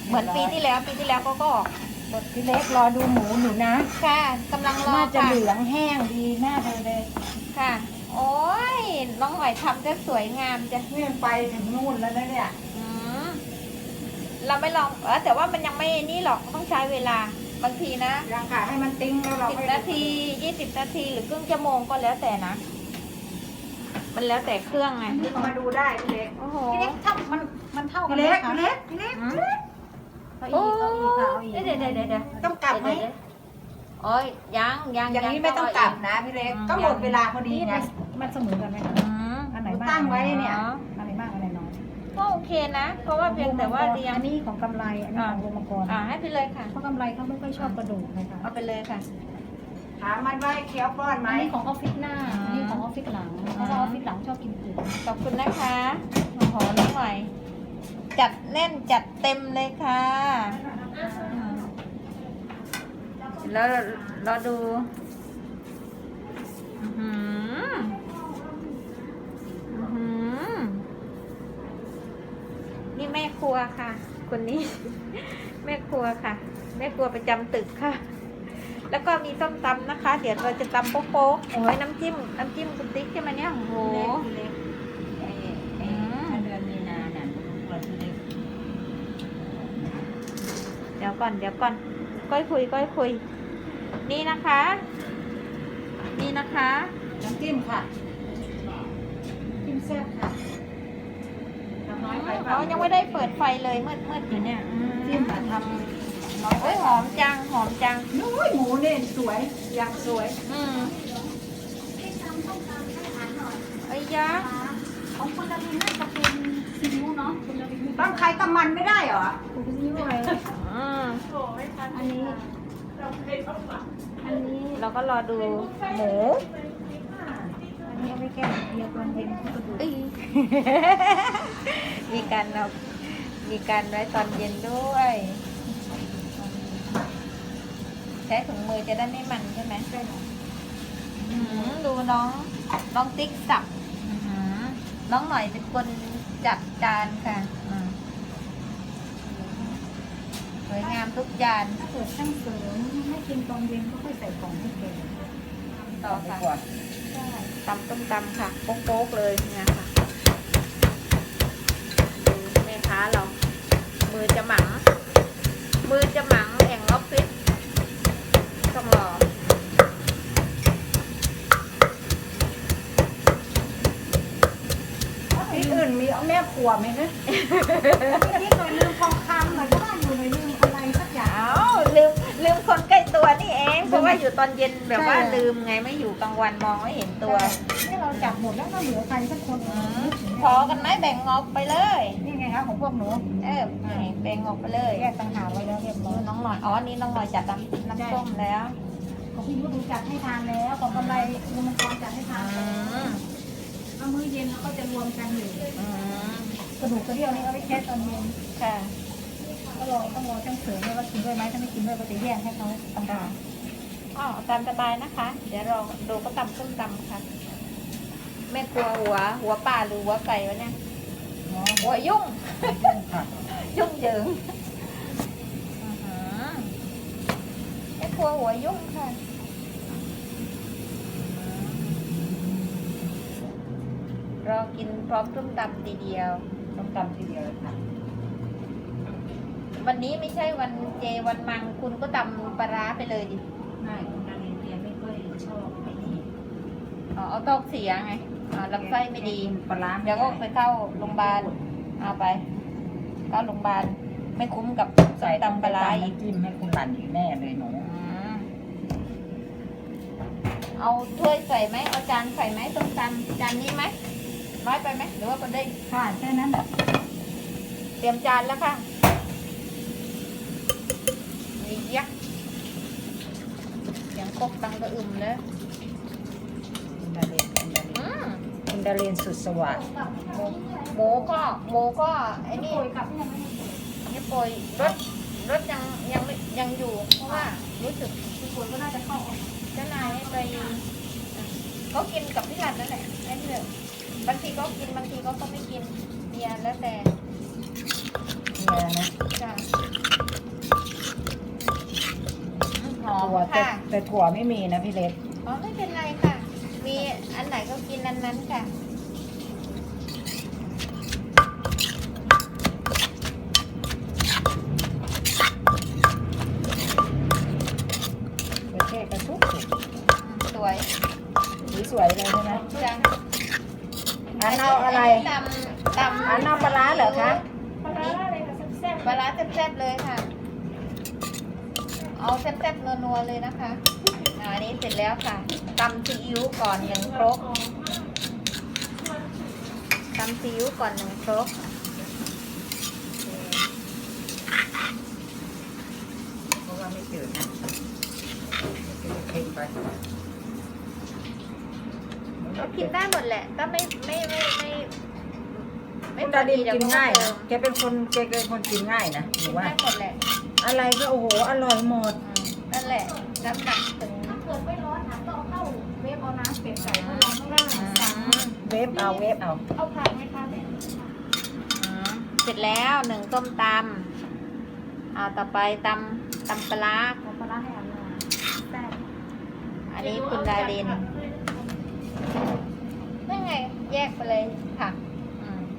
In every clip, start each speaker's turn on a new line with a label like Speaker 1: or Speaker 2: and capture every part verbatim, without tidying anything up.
Speaker 1: เหมือนปีที่แล้วปีที่แล้วเขาก็ออก
Speaker 2: บดพี่เล็กรอดูหมูหนูนะ
Speaker 1: ค่ะกำลังรอ
Speaker 2: น่าจะ
Speaker 1: ค่ะ
Speaker 2: เหลืองแห้งดีหน้าเธอเลย
Speaker 1: ค่ะ โอ้ยน้องหอยทำจะสวยงามจ้ะ
Speaker 2: นี่มันไปถึงนู่นแล้วนะเนี่ย
Speaker 1: อืมเราไม่ลองเออแต่ว่ามันยังไม่นี่หรอกต้องใช้เวลาบางทีนะ
Speaker 2: ยังค่ะให้มันติ้งแล้วเรา
Speaker 1: สิบ
Speaker 2: ค่อย
Speaker 1: นาทียี่สิบนาทีหรือครึ่งชั่วโมงก็แล้วแต่นะ มันแล้วแต่เครื่องไง
Speaker 2: นี่มาดูได้พี่เล็ก
Speaker 1: โอ้โห
Speaker 2: พี่เล็กถ้ามันมันเท่ากัน
Speaker 1: พี่
Speaker 2: ไหม
Speaker 1: เล็ก
Speaker 2: คะ
Speaker 1: พี่เล็ก
Speaker 2: พี่เล็ก
Speaker 1: อืม
Speaker 2: เอา
Speaker 1: โอ้
Speaker 2: อีกเอาอีกค่ะเอาอีก
Speaker 1: เดี๋ยวเดี๋ยวเดี๋ยวเดี๋ยว
Speaker 2: ต้องกลับไหม
Speaker 1: เดี๋ยวเดี๋ยวโอ้ยยังยัง
Speaker 2: อย่างนี้ไม่ต้องกลับนะพี่เล็กก็หมดเวลาพอดีไง
Speaker 3: มันเสมอกันไหมคะ
Speaker 1: อืม
Speaker 3: อันไหน
Speaker 2: หนู
Speaker 3: มาก
Speaker 2: ตั้งไว้เนี่ย
Speaker 1: อ๋อ
Speaker 3: อันไหนมากอันไหนน้อย
Speaker 1: ก็โอเคนะ เพราะว่าเพียงแต่ว่าเรียง
Speaker 3: อันนี้ของกำไรอันนี้ของโรมกร
Speaker 1: อ่าให้ไปเลยค่ะ
Speaker 3: เพราะกำไรเขาไม่ค่อยชอบกระดูกนะคะ
Speaker 1: เอาไปเลยค่ะ
Speaker 2: ถามมันว่าเคี้ยวป้อนไหม
Speaker 3: อันนี้ของออฟฟิศหน้า
Speaker 1: อ่า
Speaker 3: อันนี้ของออฟฟิศหลังเพราะว่าออฟฟิศหลังชอบกินปุ๋ย
Speaker 1: ขอบคุณนะคะโอ้โหน้องหน่อย จัดแน่นจัดเต็มเลยค่ะอืมแล้วเราดูอื้อหืออื้อหือนี่แม่ครัวค่ะ คนนี้ แม่ครัวค่ะ แม่ครัวประจำตึกค่ะ แล้วก็มีส้มตำนะคะ เดี๋ยวเราจะตำโป๊กๆโอ้ยน้ำจิ้มน้ำจิ้มคุณติ๊กใช่ไหมเนี่ยโอ้โห
Speaker 2: พี่เล็กไอ้ไอ้ถ้าเดือนมีนาเนี่ยเปิดพี่เล็ก
Speaker 1: เดี๋ยวก่อนเดี๋ยวก่อนก้อยคุยก้อยคุย นี่นะคะ นี่นะคะ
Speaker 2: น้ำจิ้มค่ะจิ้มแซ่บค่ะทำน้อยไปเปล่า
Speaker 1: เขายังไม่ได้เปิดไฟเลยมืดมืดอยู่เนี่ยอืม
Speaker 2: จิ้มอะทำน้อยไป
Speaker 1: โอ้ยห
Speaker 2: เป
Speaker 1: อ
Speaker 2: ล่าม
Speaker 1: จังหอมจัง
Speaker 2: นู้ยหมูเนี่ยสวยอย่างสวย
Speaker 1: อืมไอ้ยะ
Speaker 3: ของคุณดารินน่าจะเป็นซีอิ๊วเนาะคุณดาริน
Speaker 2: ต้องใครกับมันไม่ได้เหรอ
Speaker 3: คุณซีอิ๊วอะไร
Speaker 1: อืม
Speaker 3: อันนี้อันนี้
Speaker 1: เราก็รอดูหมู
Speaker 3: อันนี้เอาไว้แก้เดียวกันเป็นกระดูก
Speaker 1: เอ้ย มีการเอามีการไว้ตอนเย็นด้วยใช้ถุงมือจะได้ไม่มันใช่ไหมอืมดูน้องน้องติ๊กสับอื้อหือน้องหน่อยเป็นคนจัดจานค่ะอืมสวยงามทุกจาน
Speaker 3: ถ้าเกิดช่างเสริมให้กินตอนเย็นก็ค่อยใส่กล่องให้แก
Speaker 1: ต่อ
Speaker 2: ไป
Speaker 1: ค่ะ
Speaker 2: ก่อน
Speaker 3: ใช่
Speaker 1: ตำต้มตำค่ะโป๊กๆเลยเนี่ยค่ะดูแม่ค้าเรา มือจะหมัง มือจะหมังแห่งออฟฟิศต้องรอ
Speaker 2: ที่อื่นมีเอาแม่ครัวไหมนะ
Speaker 3: นี่หน่อยลืมทองคำหน่อยก็ว่าอยู่หน่อยลืมอะไรสักอย่าง
Speaker 1: อ้าวลืมลืมคนใกล้ตัวนี่เอง เพราะว่าอยู่ตอนเย็นแบบว่า
Speaker 3: ใช่
Speaker 1: ลืมไงไม่อยู่กลางวันมองไม่เห็นตัว
Speaker 3: นี่เราจับหมดแล้วก็เหลือใครสักคน
Speaker 1: อืมพอกันไหมแบ่งออกไปเลย
Speaker 3: นี่ไงคะของพวกหนู
Speaker 1: เออนี่แบ่งออกไปเลย
Speaker 3: แยกต่างหากไว้แล้วเรียบร้อย
Speaker 1: น้องหน่อยอ๋อนี่น้องหน่อยจัดน้ำน้ำส้มแล้ว
Speaker 3: ของพี่ยุทธดูจัดให้ทานแล้วของกำไรรวมกรจัดให้ทา
Speaker 1: อื
Speaker 3: น
Speaker 1: ม
Speaker 3: แล้วมื้อเย็นเราก็จะรวมกันอยู่
Speaker 1: อืม
Speaker 3: กระดูกกระเดี่ยวนี่เอาไว้แค่ตอนเย็น
Speaker 1: ค่ะ
Speaker 3: ก็รอต้องรอช่างเสริมด้วยว่ากินด้วยไหมถ้าไม่กินด้วยก็จะแยกให้เขาต่างหาก
Speaker 1: อ๋อตามสบายนะคะ เดี๋ยวเราดูก็ตำส้มตำค่ะแม่ครัวหัว หัวปลาหรือหัวไก่วะเนี่ย
Speaker 2: เนาะ
Speaker 1: หัวยุ่ง
Speaker 2: ค่ะ
Speaker 1: ยุ่งเหยิงอื้อหือแม่ครัวหัวยุ่งค่ะรอกินพร้อมส้มตำทีเดียว
Speaker 2: ต้องตำทีเดียวเลยค่ะ
Speaker 1: วันนี้ไม่ใช่วันเจวันมังคุณก็ตำปลาร้าไปเลยดิ
Speaker 2: ไม่คุณดารินเตียไม่ค่อยชอบไอ้นี่
Speaker 1: อ๋อเอาท้องเสียไงอ๋อลำไส้ไม่ดี
Speaker 2: ปลาร้าไม่
Speaker 1: เดี๋ยวก็
Speaker 2: ได้
Speaker 1: ไปเข้าโรงพยาบาลเอาไป เข้าโรงพยาบาลไม่คุ้มกับ
Speaker 2: ใส่
Speaker 1: ตำปลาร้าอีก
Speaker 2: น้ำจิ้มให้คุณหลันอีกแน่เลยหนู
Speaker 1: อืมเอาถ้วยใส่ไหมเอาจานใส่ไหมต้มตำจานนี้ไหมน้อยไปไหมหรือว่าก็ได้
Speaker 3: ค่ะแค่นั้น
Speaker 1: เตรียมจานแล้วค่ะนี่ยักษ์เสียงครกตังกระอึมเลย
Speaker 2: คุณดารินคุณดาริน
Speaker 1: อืม
Speaker 2: คุณดารินสุดสวัสดิ์
Speaker 1: หมูก็หมูก็ไอ้นี่
Speaker 3: โอยกับยังไง
Speaker 1: นี่โปรยรถรถยังยังไม่ยังอยู่ เพราะว่ารู้สึก
Speaker 3: พี่คนก็น่าจะเข้าออก
Speaker 1: เจ้านายให้ไปเขากินกับพี่รันนั่นแหละไอ้เรื่องบางทีก็กินบางทีก็ก็ไม่กินเบียร์แล้วแต่
Speaker 2: เนี่ยนะ
Speaker 1: จ้ะ
Speaker 2: แต่
Speaker 1: ค่ะ
Speaker 2: แต่ถั่วไม่มีนะพี่เล็ก
Speaker 1: อ๋อไม่เป็นไรค่ะ มีอันไหนก็กินอันนั้นค่ะ
Speaker 2: ประเทศกระทุกสุก
Speaker 1: สวย
Speaker 2: สีสวยเลยใช่ไหม
Speaker 1: จัง
Speaker 2: อันเอาอะไร
Speaker 1: ตำตำ
Speaker 2: อันเอาปลาร้าเหรอคะ
Speaker 3: ปลาร้าอะไรคะแซ่บ
Speaker 1: ปลาร้าแซ่บๆเลยค่ะ เอาแซ่บๆนัวๆเลยนะคะอ่าอันนี้เสร็จแล้วค่ะตำซีอิ๊วก่อนหนึ่งครกตำซีอิ๊วก่อนหนึ่งครก
Speaker 2: เพราะว่าไม่จืดนะเค็มไป
Speaker 1: ก็กินได้หมดแหละ ก็ไม่ไม่ไม่ไม่ไม่
Speaker 2: คุณดาดินกินง่าย
Speaker 1: เดี๋
Speaker 2: นะ
Speaker 1: ว
Speaker 2: แกเป็นคนแกเป็นคนกินง่ายนะห
Speaker 1: กิ
Speaker 2: รื
Speaker 1: น
Speaker 2: อว่า
Speaker 1: ได้หมดแหละ
Speaker 2: อะไรก็โอ้โหอร่อยหมด
Speaker 1: อืมนั่นแหละน้ำหนักถึง
Speaker 3: ถ้าเกิดไม่ร้อนนะก็เอาเข้าเวฟเอาน้ำเป็ดใส่เพราะเราไม่ได้
Speaker 1: อื
Speaker 3: สั่ง
Speaker 1: ม
Speaker 2: เวฟเอาเวฟเอา
Speaker 3: เอาผักไหมคะแม่
Speaker 1: อืมเสร็จแล้วหนึ่งต้มตำเอาต่อไปตำตำปลาร้า
Speaker 3: เอาปลาร้าให้อันหน่อยแซ่บ
Speaker 1: อันนี้คุณดารินนั่นไง แยกไปเลยค่ะอืม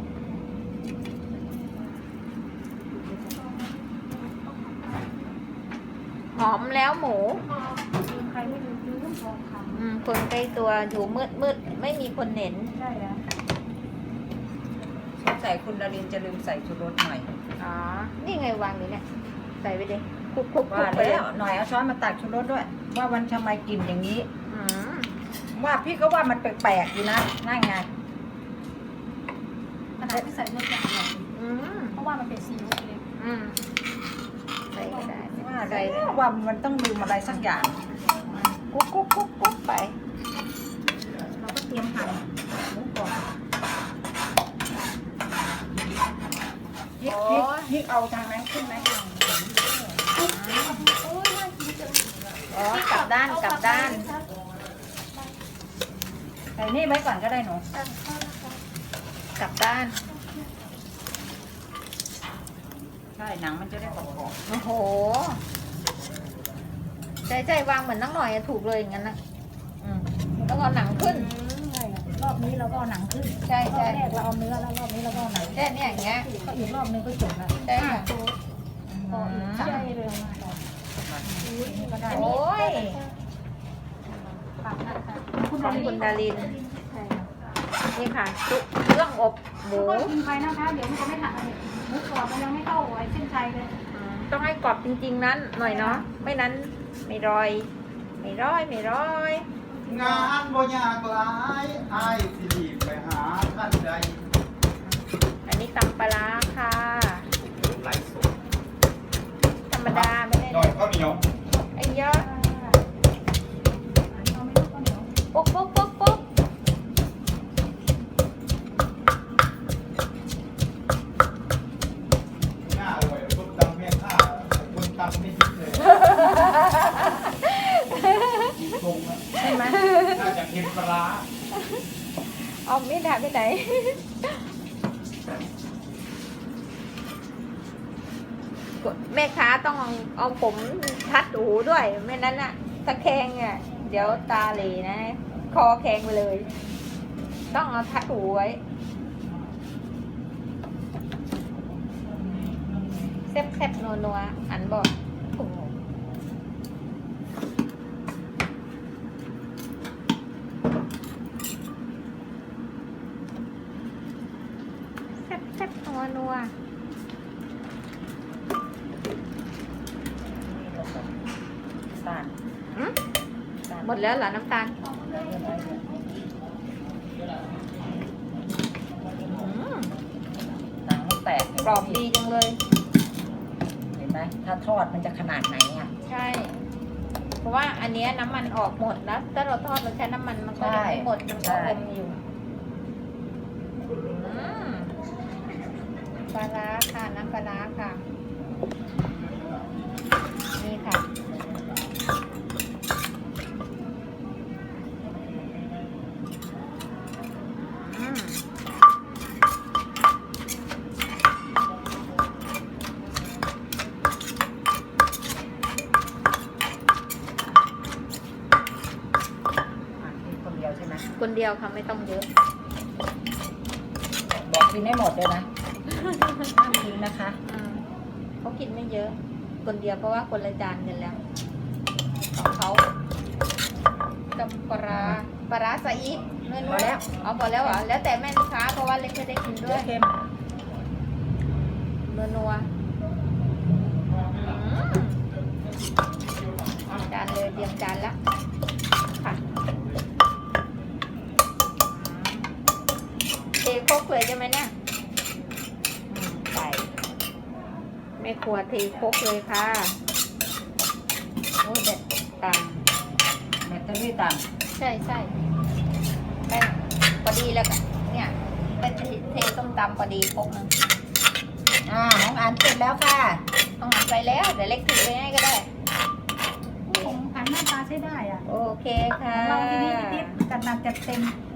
Speaker 1: หอมแล้วหมู
Speaker 3: ใครไม่ดูดูทองค
Speaker 1: อืมคนใกล้ตัวอยู่มืดมืดไม่มีคนเห็น
Speaker 3: ำใช่แล้ว
Speaker 2: สงสัยคุณดารินจะลืมใส่ชูรสหน่อย
Speaker 1: อ๋อ นี่ไงวางอยู่เนี่ย ใส่ไปดิคลุกคลุกคลุ
Speaker 2: ว่าก
Speaker 1: ไปเล
Speaker 2: แล้
Speaker 1: ยว
Speaker 2: หน่อยเอาช้อนมาตักชูรสด้วย ว่าวันทำไมกลิ่นอย่างนี้
Speaker 1: อืม
Speaker 2: ว่าพี่ก็ว่ามันแปลกๆอยู่นะนั่นไง
Speaker 3: ขนาดที่ใส่เมื่อกี้อร่อย
Speaker 1: อืม
Speaker 3: เพราะว่ามันเป็นซีอิ๊วเล็ก
Speaker 1: อืมใส่ก็ได้
Speaker 2: ว่า
Speaker 1: ใส่
Speaker 2: แล้วว่ามันต้องลืมอะไรสักอย่าง
Speaker 1: กุ๊กกุ๊กกุ๊กกุ๊กไป
Speaker 3: เราก็เตรียมหั่นหมูกรอบ
Speaker 2: พริกพริกพริกเอาทางนั้นขึ้นไหม
Speaker 3: โอ้ยน่ากินจัง
Speaker 1: อ๋อกลับด้านกลับด้าน
Speaker 2: ใส่นี่ไว้ก่อนก็ได้หนู
Speaker 1: กลับด้าน
Speaker 2: ใช่หนังมันจะได้กรอบ
Speaker 1: โอ้โห ใจใจวางเหมือนนักหน่อยอะถูกเลยอย่างนั้นนะ
Speaker 2: ๆอืม
Speaker 1: แล้วก็เอาหนังขึ้น
Speaker 3: ใช่ค่ะรอบนี้เราก็เอาหนังขึ้น
Speaker 1: ใช่
Speaker 3: รอ
Speaker 1: ใช่
Speaker 3: บแรกเราเอาเนื้อแล้วรอบนี้เราก็เอาหนัง
Speaker 1: แค่เนี้ยอย่างเงี้ย
Speaker 3: ก็อีกรอบนึงก็จบแล้ว
Speaker 1: ใช่ค่ะ
Speaker 3: พออีกใช่เร็วมากเลยนี่ก็ได้
Speaker 1: โอ้ย
Speaker 3: ปักนะคะ
Speaker 1: ของคุณดาริน
Speaker 3: ใช่ค่ะ
Speaker 1: นี่ค่ะซุปเครื่องอบหมู
Speaker 3: ก็กินไปนะคะ เดี๋ยวมันจะไม่ทันอะไรหมูกรอบมันยังไม่เข้าไอ้เส้นชัยเลย
Speaker 1: อืมต้องให้กรอบจริงๆนั้นหน่อยเนาะ ไม่นั้นไม่รอย ไม่ร้อยไม่ร้อย
Speaker 4: งานบ่ยากหลายอายสิรีบไปหาท่านใด
Speaker 1: อันนี้ตำปลาร้าค่ะ
Speaker 4: ไลฟ์สด
Speaker 1: ธรรมดาไม่ได้
Speaker 4: หน่อยข้าวเหนียว
Speaker 1: ไอ้เยอะ
Speaker 3: เอาไม่รู้ก็เหนียว
Speaker 1: ปุ๊กปุ๊กปุ๊กปุ๊ก
Speaker 4: หน้าอร่อยคนตำแม่ข้าคนตำไม่คิดเลยตรงนะ
Speaker 2: ใช่ไหม
Speaker 4: น่าจะเค็มปลาร้า
Speaker 1: เอาไม่ได้ไปไหน แม่ค้าต้องเอาผมทัดหูด้วย ไม่นั้นน่ะตะแคงอ่ะ เดี๋ยวตาเหลนะ คอแข็งไปเลย ต้องเอาทัดหูไว้แซ่บๆนัวๆอันบอกแซ่บๆนัวๆ
Speaker 2: สาน
Speaker 1: หืมหมดแล้วเหรอน้ำตาลอืม
Speaker 2: หนังแตก
Speaker 1: กรอบดีจังเลย
Speaker 2: เห็นไหมถ้าทอดมันจะขนาดไหนอ่ะ
Speaker 1: ใช่ เพราะว่าอันเนี้ยน้ำมันออกหมดแล้วถ้าเราทอดเราใช้น้ำมันมันก็ยังไม่หมดมันก็อมอยู่อืมปลาร้าค่ะน้ำปลาร้าค่ะ นี่ค่ะอืมเดียวค่ะไม่ต้องเยอะ
Speaker 2: บอกกินให้หมดเลยนะห้ามทิ้งนะคะ
Speaker 1: อ่าเขากินไม่เยอะ คนเดียวเพราะว่าคนละจานกันแล้วของเขาจำปลาร้าปลาร้าใส่อีกเนื้อ
Speaker 2: พอแล้ว
Speaker 1: เอาพอแล้วเหรอแล้วแต่แม่ลูกค้าเพราะว่าเล็กไม่ได้กิน
Speaker 2: เย
Speaker 1: ด้วย
Speaker 2: อะเค็ม
Speaker 1: เนื้อนัวอืมจานเลยเตรียมจานแล้วค่ะเทโคกเลยใช่ไหมเนี่ยอืมใส่แม่ครัวเทโคกเลยค่ะ
Speaker 2: โอ้ยเด็ด
Speaker 1: ตาม
Speaker 2: แบตเตอรี่ต่
Speaker 1: ใช่ใช่แม่พอดีแล้วก็เนี่ยเป็นเทส้มตำพอดีโคกหนึง
Speaker 2: ำอ่าน้องอันเสร็จแล้วค่ะ
Speaker 1: ต้องหันไปแล้วเดี๋ยวเล็กถือไปให้ก็ได้
Speaker 3: ของอันหน้าตาใช้ได้อ่ะ
Speaker 1: โอเคค่ะ
Speaker 3: เราทีนี้นิดๆกันนัดจัดเต็ม